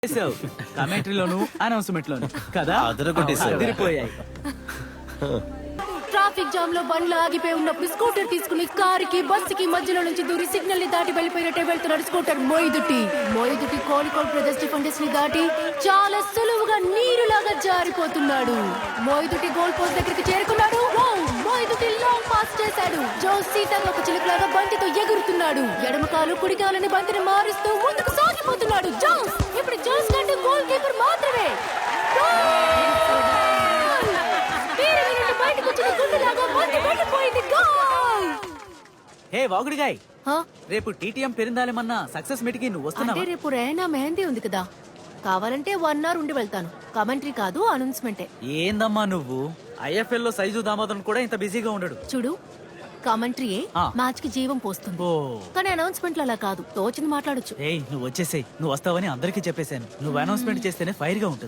కమెంటరీలోను announcement లోను కదా అదరగొట్టేశావు. అదిరిపోయాయి. Traffic jam లో బండ్లు ఆగిపోయి ఉన్నప్పుడు స్కూటర్ తీసుకుని కారుకి బస్సుకి మధ్యలో నుంచి దూరి సిగ్నల్ ని దాటి వెళ్ళిపోయినట్టే వెళ్తున్నాడు scooter Moidutty Kozhikode brothers defenders ని దాటి చాలా సులువుగా నీరులాగా జారిపోతున్నాడు. మోయిదుటి గోల్ పోస్ట్ దగ్గరికి చేరుకున్నాడు. మోయిదుటి లాంగ్ పాస్ చేశాడు. జోస్ సీతాకొక చిలుకలాగా బంతితో ఎగురుతున్నాడు. ఎడమ కాలు కుడి కాలని బంతిని మారుస్తూ ముందుకు సాగిపోతున్నాడు. జోస్ ఇప్పుడు జోస్ కంటే గోల్ కీపర్ మాత్రమే. హే వాగుడిగాయ్, రేపు టీటీఎం పెరిందాలేమన్నా సక్సెస్ మీట్ కి నువ్వు అంటే వస్తున్నావా? రేపు రేనా మెహందీ ఉంది కదా, కావాలంటే 1 hour ఉండి వెళ్తాను. కమెంటరీ కాదు, అనౌన్స్మెంటే. ఏందమ్మా నువ్వు ఐఎఫ్ఎల్ లో సైజు దామోదరం కూడా ఇంత బిజీగా ఉండడు. చూడు, కమెంటరీయే ఆ. మ్యాచ్ కి జీవం పోస్తుంది. ఓ కానీ అనౌన్స్మెంట్ అలా కాదు, తోచింది మాట్లాడొచ్చు. ఏయ్ నువ్వు వచ్చేసేయ్, నువ్వు వస్తావని అందరికీ చెప్పేశాను. నువ్వు అనౌన్స్మెంట్ చేస్తేనే ఫైర్ గా ఉంటుంది.